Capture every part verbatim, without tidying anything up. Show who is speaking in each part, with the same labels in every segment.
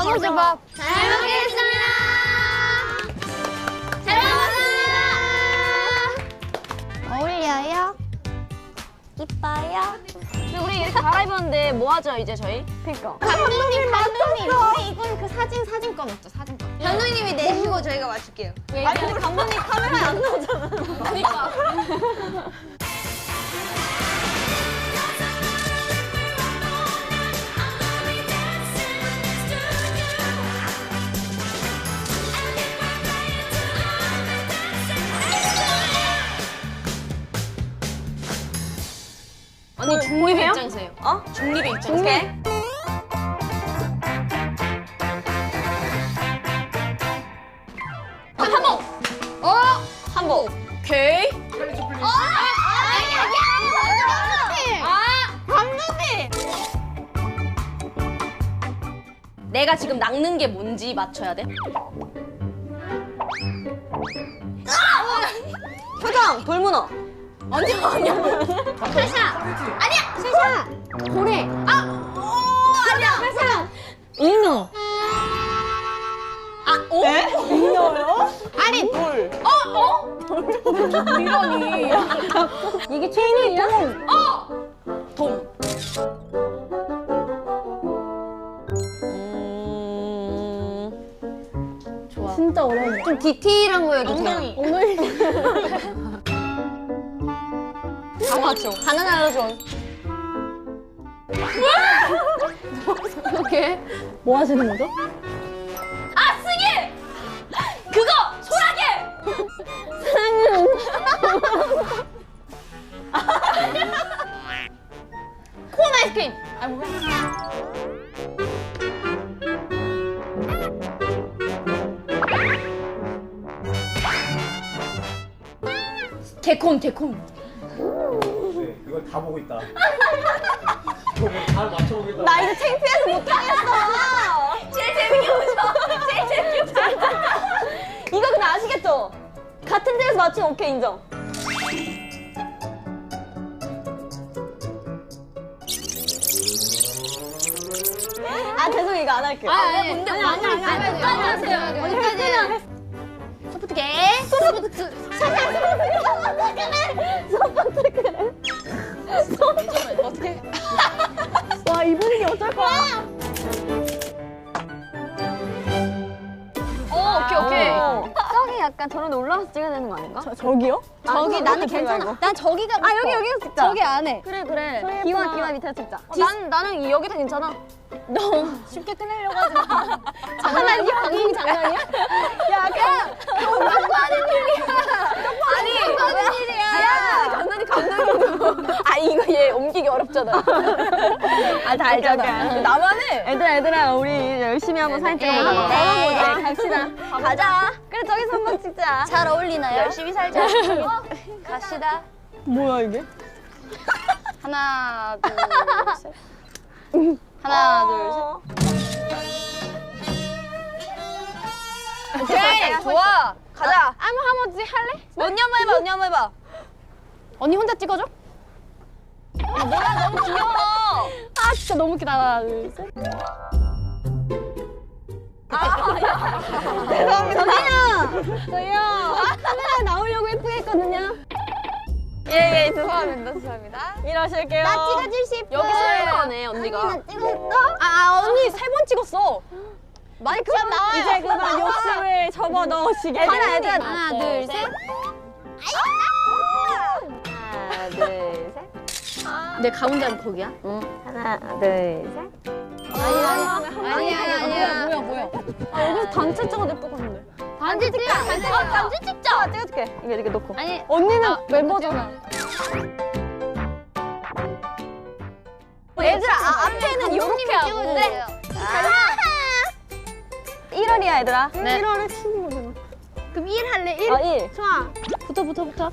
Speaker 1: 건우주밥. 잘 먹겠습니다. 잘 먹었습니다. 어울려요? 이뻐요?
Speaker 2: 근데 우리 이렇게 갈아입었는데 뭐 하죠 이제 저희?
Speaker 1: 그니까. 감독님, 감독님. 우리 이건 그 사진, 사진권 없죠, 사진권. 감독님이 내시고 저희가 맞출게요.
Speaker 2: 아니 근데 감독님 카메라에 안 나오잖아. 그러니까. 언니 중립의 입장에서요. 어? 중립의 입장에서. 오케이. 한복. 어? 한복. 오케이.
Speaker 1: 어? 아니, 아니, 아니. 아, 감독님.
Speaker 2: 내가 지금 낚는 게 뭔지 맞춰야 돼. 표정 돌문어. 아니야 아니야.
Speaker 1: 샤샤. 아니야, 샤샤. 고래.
Speaker 2: 아, 오, 아니야.
Speaker 1: 샤샤.
Speaker 2: 잉어. 아, 오?
Speaker 3: 잉여요?
Speaker 1: 아니,
Speaker 3: 돌.
Speaker 2: 어? 어? 이러니.
Speaker 3: 이게 최인이야?
Speaker 2: 어! 돔. 음... 좋아.
Speaker 3: 진짜 어려운데.
Speaker 1: 좀 디테일한 거여도 돼요.
Speaker 2: 엉덩이.
Speaker 3: 엉덩이.
Speaker 2: 다 맞춰.
Speaker 1: 바나나 로존.
Speaker 3: 어떻게? 뭐 하시는 거죠?
Speaker 2: 아, 승희! 그거! 소라게!
Speaker 3: 사랑은.
Speaker 2: 콘 아이스크림!
Speaker 3: 아, 뭐야?
Speaker 2: 개콘, 개콘.
Speaker 4: 네, 이걸 다 보고 있다. 이거 다 맞춰보겠다.
Speaker 2: 나 이제 창피해서 못하겠어. 제일 재밌게 보죠. 제일 재밌게 보죠. 이거 근데 아시겠죠? 같은 데에서 맞추면 오케이 인정. 아 죄송 이거 안 할게요.
Speaker 1: 아, 아니,
Speaker 2: 근데
Speaker 1: 아니,
Speaker 2: 아니
Speaker 1: 아니, 아니, 아니,
Speaker 2: 끝까지 하세요.
Speaker 1: 아니, 아니,
Speaker 2: 어디까지?
Speaker 1: 소프트 게. 소프트. 샤샤, 소프트 그래. 소프트 그래.
Speaker 2: 어떻게?
Speaker 3: 와, 이 분위기 어쩔 거야?
Speaker 2: 어 오케이 오케이.
Speaker 1: 저기 약간 저런데 올라가서 찍어야 되는 거 아닌가?
Speaker 3: 저, 저기요?
Speaker 1: 저기
Speaker 3: 아,
Speaker 1: 나는
Speaker 3: 그거
Speaker 1: 괜찮아.
Speaker 3: 말고.
Speaker 1: 난 저기가
Speaker 2: 아 여기 여기서 찍자.
Speaker 1: 저기 안에.
Speaker 2: 그래 그래.
Speaker 1: 기와 기와 밑에서 찍자.
Speaker 2: 어, 난 나는 여기도 괜찮아.
Speaker 1: 너 쉽게 끝내려고 하지 마. 장난이야? 방송 장난이야?
Speaker 2: 야 그냥 장난도 하는 일이야. 아니
Speaker 1: 하는 일이야.
Speaker 2: 야 장난이 감독이고. 아 이거 얘 옮기기 어렵잖아. 아 다 알잖아.
Speaker 3: 오케이, 오케이.
Speaker 2: 나만 해.
Speaker 3: 얘들아, 얘들아, 우리 열심히 한번 사진 찍어보자.
Speaker 1: 네,
Speaker 3: 네, 갑시다.
Speaker 2: 가자. 그래 저기서 한번 찍자.
Speaker 1: 잘 어울리나요?
Speaker 2: 열심히 살자. 어, 갑시다.
Speaker 3: 뭐야, 이게?
Speaker 1: 하나, 둘, 셋. 하나, 둘, 셋.
Speaker 2: 오케이 좋아. 가자.
Speaker 1: 아무 한번 찍 할래?
Speaker 2: 언니 한번 해봐. 언니 한번 해봐.
Speaker 1: 언니 혼자 찍어줘?
Speaker 2: 아 뭐야 너무 귀여워.
Speaker 1: 아 진짜 너무 웃기다. 하나, 둘, 셋.
Speaker 2: 죄송합니다.
Speaker 1: 저희요. 카메라에 나오려고 예쁘게 했거든요.
Speaker 2: 예예 죄송합니다. 죄송합니다.
Speaker 3: 일하실게요.
Speaker 1: 나 찍어줄 수 있어.
Speaker 2: 여기 스피커네 언니가.
Speaker 1: 나 찍었어?
Speaker 2: 아, 아 언니 세 번 찍었어.
Speaker 1: 마이크 좀 나와요.
Speaker 3: 이제 그만 욕심을 접어 넣으시게.
Speaker 2: 하나, 얘들아.
Speaker 1: 하나, 둘, 셋.
Speaker 2: 하나 둘 셋.
Speaker 1: 내 가운데는 거기야?
Speaker 2: 하나 둘 셋.
Speaker 1: 아니야, 아니야, 아니야.
Speaker 3: 뭐야, 뭐야.
Speaker 2: 아 여기서 단체 찍어도 예쁠 것 같은데.
Speaker 1: 단지 찍자, 단지
Speaker 2: 아
Speaker 1: 찍자.
Speaker 2: 단체 찍자. 찍어줄게. 이거 이렇게 놓고.
Speaker 1: 아니,
Speaker 3: 언니는
Speaker 1: 멤버잖아.
Speaker 2: 얘들아 아, 앞에는 이렇게 하고.
Speaker 1: 찍어주세요.
Speaker 2: 일 월이야 얘들아.
Speaker 1: 네.
Speaker 3: 일 월에 치는 거잖아.
Speaker 1: 그럼 일 할래? 일?
Speaker 2: 아 일.
Speaker 1: 좋아. 붙어, 붙어, 붙어.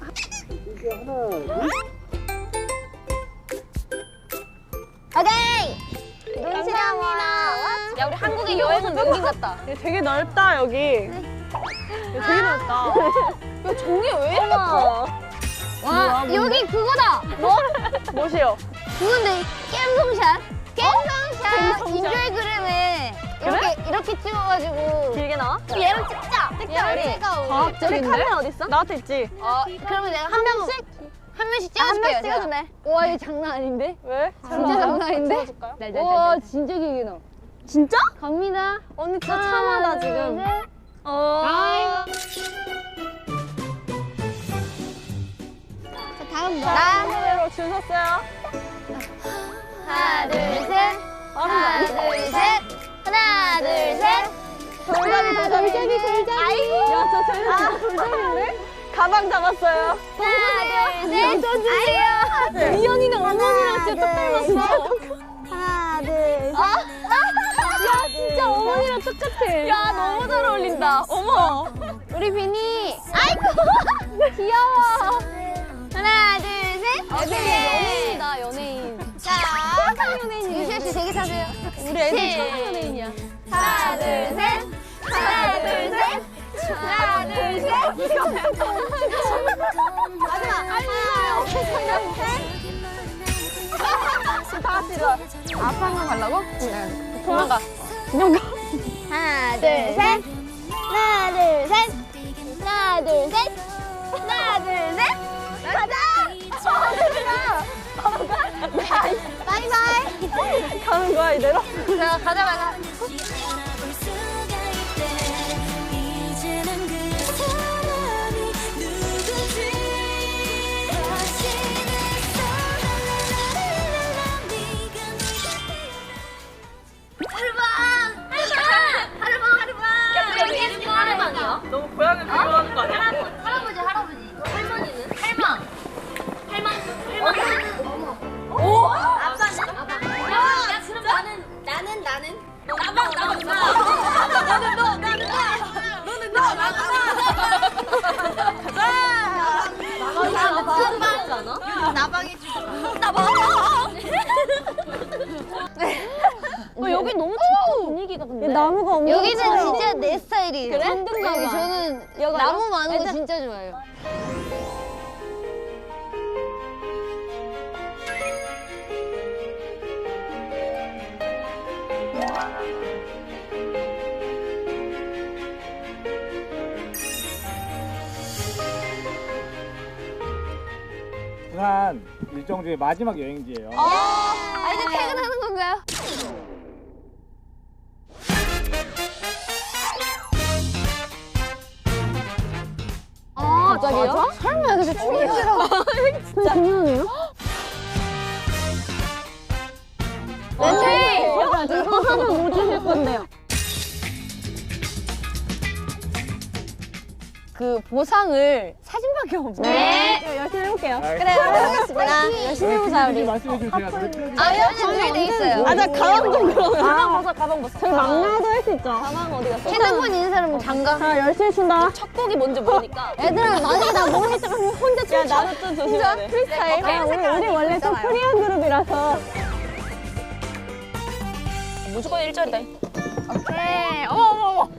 Speaker 1: 오케이.
Speaker 2: 감사합니다. 야 우리 한국의 여행은 맹긴 같다.
Speaker 3: 되게 넓다, 여기. 야, 되게 넓다.
Speaker 2: 야 종이 왜 이렇게 커?
Speaker 1: 와, 여기 그거다. 뭐?
Speaker 3: 뭐시요?
Speaker 1: 그건데, 갬성샷. 갬성샷. 인별그램에 이렇게 이렇게 찍어가지고
Speaker 2: 길게 나와?
Speaker 1: 얘랑 찍자. 찍자 우리.
Speaker 2: 우리
Speaker 3: 과학적인데?
Speaker 2: 카메라 어딨어?
Speaker 3: 나한테 있지?
Speaker 1: 어 그러면 내가 한 명씩 한 명씩 찍어줄게요.
Speaker 2: 한 명씩 찍어주네.
Speaker 1: 와 이거 장난 아닌데?
Speaker 3: 왜?
Speaker 1: 진짜 장난 아닌데?
Speaker 3: 찍어줄까요?
Speaker 1: 와 진짜 길게 나.
Speaker 2: 진짜?
Speaker 1: 갑니다.
Speaker 2: 언니 진짜 참하다 지금. 어.
Speaker 1: 자 다음 나.
Speaker 2: 나무로 줄 섰어요.
Speaker 1: 하나 둘 셋. 하나 둘 셋. 하나 둘 셋.
Speaker 2: 돌잡이 돌잡이
Speaker 1: 돌잡이. 아이고.
Speaker 2: 야저 쟤는 진짜 돌잡이인데? 가방 잡았어요.
Speaker 1: 하나 둘 셋. 아이고.
Speaker 2: 미연이는 어머니랑 진짜 딱 닮았어.
Speaker 1: 하나 둘.
Speaker 2: 아? 야 진짜 어머니랑 똑같아. 야 너무 잘 어울린다. 어머.
Speaker 1: 우리 비니. 아이고. 귀여워. 하나 둘 셋.
Speaker 2: 애들이 연예인이다 연예인.
Speaker 1: 자. 유시아 씨 되게 사세요.
Speaker 2: 우리 애들
Speaker 1: 셋.
Speaker 2: 천하 연예인이야.
Speaker 1: 하나 둘 셋. 하나 둘 셋. 하나 둘 셋. 마지막. 하나 둘 셋.
Speaker 2: 다 같이 일어나.
Speaker 1: 앞 한 번 가려고? 네.
Speaker 2: 도망가. 도망가.
Speaker 1: 하나 둘 셋. 하나 둘 셋. 하나 둘 셋. 하나 둘 셋. 가자. 바이바이.
Speaker 2: 가는 거야 이대로?
Speaker 1: 자 가자 가자.
Speaker 3: 너무 고양이 좋아하는 거 아니야?
Speaker 1: 할아버지 할아버지. 할머니는? 할망. 할망. 할망.
Speaker 2: 오!
Speaker 1: 아빠는? 아빠. 야 그럼 나는 나는 나는 나방 나방 나. 나는 너 나는 나. 너는 나 나는 나. 가자. 나방 나방. 나방이 주. 나방.
Speaker 2: 어, 여기 너무 좋다 분위기가 근데. 나무가 엄청
Speaker 1: 여기는
Speaker 2: 커요.
Speaker 1: 진짜 내 스타일이에요.
Speaker 2: 그래?
Speaker 1: 여기 저는
Speaker 2: 여기
Speaker 1: 나무
Speaker 2: 알아?
Speaker 1: 많은 거
Speaker 2: 애들-
Speaker 1: 진짜 좋아해요.
Speaker 4: 부산 일정 중에 마지막 여행지예요.
Speaker 1: 아 이제 퇴근하는 건가요?
Speaker 2: 아, 갑자기요?
Speaker 1: 설마 여기서 춤이라고?
Speaker 2: 진짜 장난이에요? 네, 이거 하면 뭐 주실 건데요? 그 보상을 사진밖에 없어요.
Speaker 1: 네.
Speaker 2: 열심히 해볼게요.
Speaker 1: 그래 알겠습니다.
Speaker 2: 열심히 해보자 우리.
Speaker 4: 말씀해주면 제가 노래
Speaker 1: 아 여기 준비돼 있어요.
Speaker 2: 아, 나 가방 좀 그러면. 가방 벗어, 가방 벗어. 저희 막내도 할 수 있죠. 가방 어디 갔어?
Speaker 1: 핸드폰 있는 사람은 장가.
Speaker 2: 자, 열심히 춘다. 첫 곡이 뭔지 모르니까.
Speaker 1: 얘들아 만약에 나뭘 했다가 혼자 춤.
Speaker 2: 야, 나도 좀 조심해야 돼.
Speaker 1: 프리스타일.
Speaker 2: 아, 우리, 우리 원래 좀 프리한 그룹이라서. 무조건 일 절이다.
Speaker 1: 오케이. 어머 어머 어머.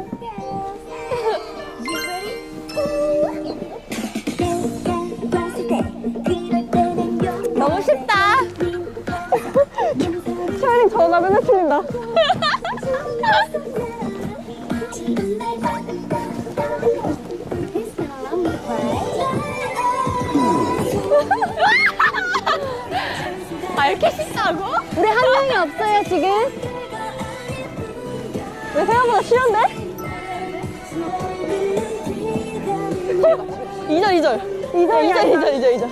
Speaker 2: 너무 쉽다. 차라리 저가 맨날 틀린다. 아, 이렇게 쉽다고? 우리 한 명이 없어요, 지금. 왜 생각보다 쉬운데? 이 절, 이 절. 이 절, 이 절, 이 절, 이 절, 이 절.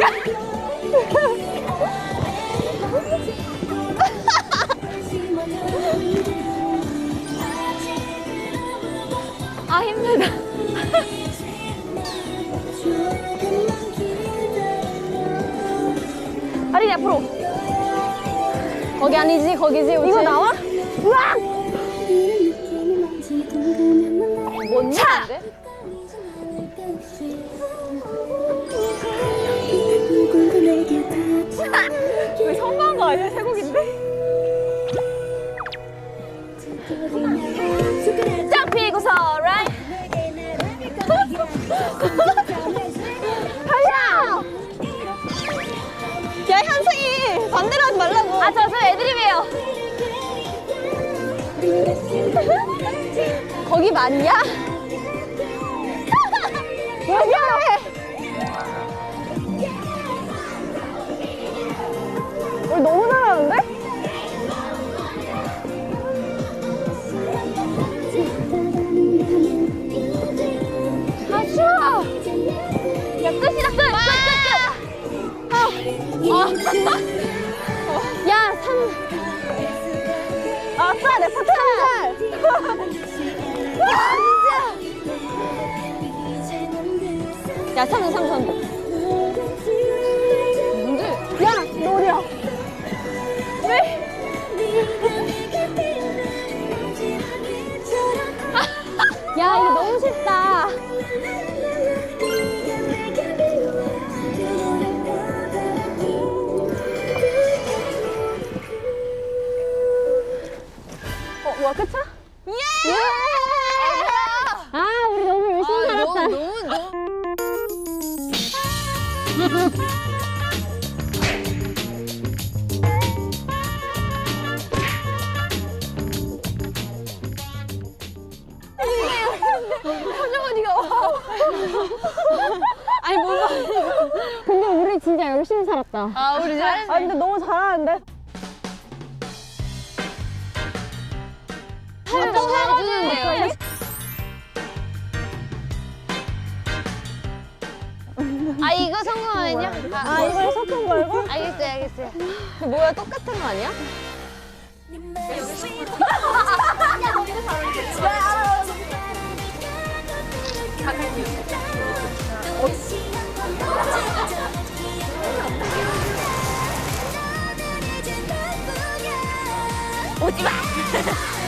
Speaker 2: 아, 힘들다. 아린이 앞으로. 거기 아니지, 거기지. 우치. 이거 나와? 으악! 뭔 차! 왜 성공한 거 아니야? 세 곡인데? 짝 피고서 right 달려! 야 현승이 반대로 하지 말라고. 아 저 저 애드립이에요. 거기 맞냐? 여기야!
Speaker 3: 우리 너무 잘하는데?
Speaker 2: 아, 추워! 야, 끝이다, 끝! 끝, 끝, 끝! 아, 어. 야, 삼.
Speaker 3: 아싸, 내 파트
Speaker 2: 야, 삼, 삼, 삼.
Speaker 3: 야, 너 어디야?
Speaker 2: 야, 이거 너무 쉽다.
Speaker 3: 어, 뭐야, 끝이야?
Speaker 2: 예! 아, 우리 너무 열심히 살았다.
Speaker 1: 너무 너무.
Speaker 2: 아니, 뭔가. 근데 우리 진짜 열심히 살았다.
Speaker 1: 아 우리 잘했네.
Speaker 3: 아, 근데 너무 잘하는데?
Speaker 2: 또 해주는데요? 아, 이거 성공하면요?
Speaker 3: 아, 이걸 섞은 걸고?
Speaker 2: 알겠어요, 알겠어요. 그 뭐야, 똑같은 거 아니야?
Speaker 1: 오지 마.